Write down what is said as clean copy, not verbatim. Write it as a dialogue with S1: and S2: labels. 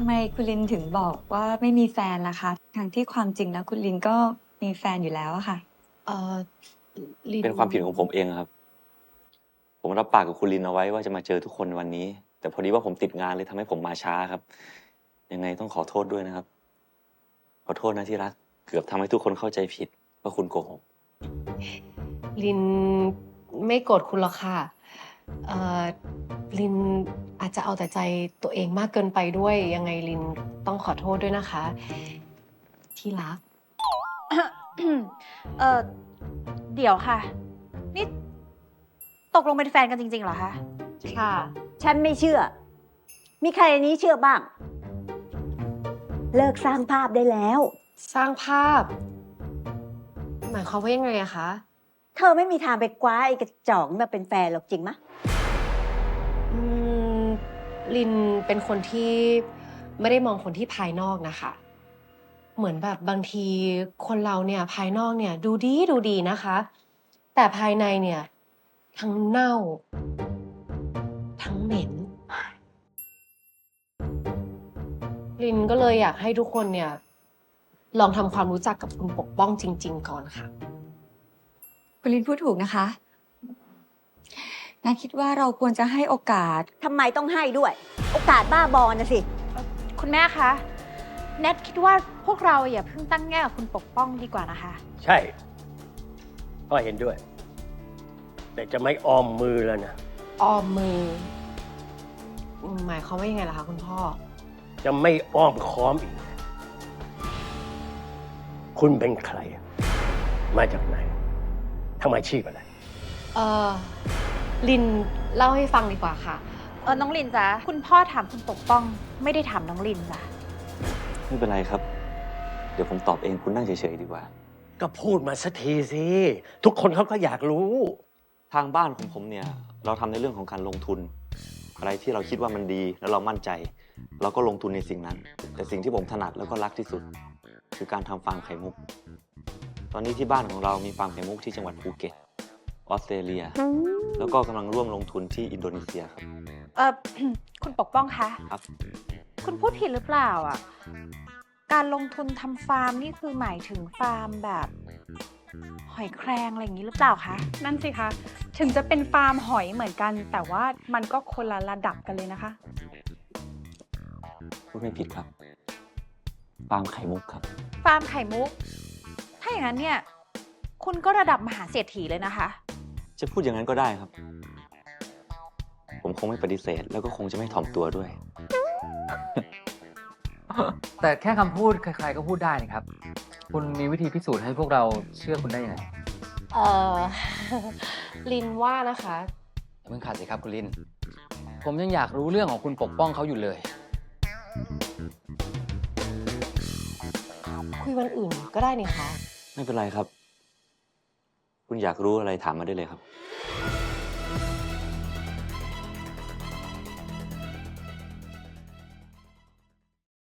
S1: ำไมคุณลินถึงบอกว่าไม่มีแฟนล่ะคะทั้งที่ความจริงแล้วคุณลินก็มีแฟนอยู่แล้วอะค่ะ
S2: เออลิน
S3: เป็นความผิดของผมเองครับ ผมรับปากกับคุณลินเอาไว้ว่าจะมาเจอทุกคนวันนี้ แต่พอดีว่าผมติดงานเลยทำให้ผมมาช้าครับ ยังไงต้องขอโทษด้วยนะครับ ขอโทษนะที่รัก เกือบทำให้ทุกคนเข้าใจผิดว่าคุณโกหก
S2: ลินไม่โกรธคุณหรอกค่ะเออลินอาจจะเอาแต่ใจตัวเองมากเกินไปด้วย ยังไงลินต้องขอโทษด้วยนะคะ ที่รัก
S4: เออเดี๋ยวค่ะ นี่ตกลงเป็นแฟนกันจริงๆเหรอคะ
S2: ค่ะ
S5: ฉันไม่เชื่อ มีใครในนี้เชื่อบ้าง เลิกสร้างภาพได้แล้ว
S2: สร้างภาพ หมายความว่ายังไงอะคะ
S5: เธอไม่มีทางไปคว้าไอ้กระจอกมาเป็นแฟนหรอกจริงมะ
S2: อืมลินเป็นคนที่ไม่ได้มองคนที่ภายนอกนะคะ เหมือนแบบบางทีคนเราเนี่ยภายนอกเนี่ยดูดีนะคะ แต่ภายในเนี่ยทั้งเน่า ทั้งเหม็น ลินก็เลยอยากให้ทุกคนเนี่ยลองทำความรู้จักกับคุณปกป้องจริง ๆ ก่อนค่ะ
S1: คุณลินพูดถูกนะคะนาคิดว่าเราควรจะให้โอกาส
S5: ทำไมต้องให้ด้วย โอกาสบ้าบอนะสิ
S4: คุณแม่คะแนทคิดว่าพวกเราอย่าเพิ่งตั้งแง่กับคุณปกป้องดีกว่านะคะ
S6: ใช่พ่อเห็นด้วย แต่จะไม่อ้อมมือแล้วนะ
S2: ออมมือ หมายความว่ายังไงล่ะคะคุณพ่อ
S6: จะไม่อ้อมค้อมอีก คุณเป็นใคร มาจากไหนทำอาชีพอะไร
S2: เออลินเล่าให้ฟังดีกว่าค่ะ
S4: น้องลินจ๊ะคุณพ่อถามคุณปกป้องไม่ได้ถามน้องลินจ้ะ
S3: ไม่เป็นไรครับ เดี๋ยวผมตอบเองคุณนั่งเฉยๆดีกว่า
S6: ก็พูดมาสักทีสิ ทุกคนเขาก็อยากรู้
S3: ทางบ้านของผมเนี่ย เราทำในเรื่องของการลงทุน อะไรที่เราคิดว่ามันดีแล้วเรามั่นใจ เราก็ลงทุนในสิ่งนั้น แต่สิ่งที่ผมถนัดแล้วก็รักที่สุด คือการทำฟาร์มไข่มุก ตอนนี้ที่บ้านของเรามีฟาร์มไข่มุกที่จังหวัดภูเก็ตออสเตรเลีย แล้วก็กำลังร่วมลงทุนที่อินโดนีเซียครับ
S4: คุณปกป้องคะ
S3: ครับ
S4: คุณพูดผิดหรือเปล่าอ่ะการลงทุนทำฟาร์มนี่คือหมายถึงฟาร์มแบบหอยแครงอะไรอย่างนี้หรือเปล่าคะ
S7: นั่นสิคะ ถึงจะเป็นฟาร์มหอยเหมือนกัน แต่ว่ามันก็คนละระดับกันเลยนะคะ
S3: พูดไม่ผิดครับ ฟาร์มไข่มุกครับ
S4: ฟาร์มไข่มุก ถ้าอย่างนั้นเนี่ยคุณก็ระดับมหาเศรษฐีเลยนะคะ
S3: จะพูดอย่างนั้นก็ได้ครับ ผมคงไม่ปฏิเสธ แล้วก็คงจะไม่ถ่อมตัวด้วย
S8: แต่แค่คำพูดใครๆก็พูดได้นะครับ คุณมีวิธีพิสูจน์ให้พวกเราเชื่อคุณได้ยังไง
S2: เออ ลินว่านะคะ
S8: อย่าเพิ่งขัดสิครับคุณลิน ผมยังอยากรู้เรื่องของคุณปกป้องเขาอยู่เลย
S2: คุยวันอื่นก็ได้นี่คะ
S3: ไม่เป็นไรครับ คุณอยากรู้อะไรถามมาได้เลยครับ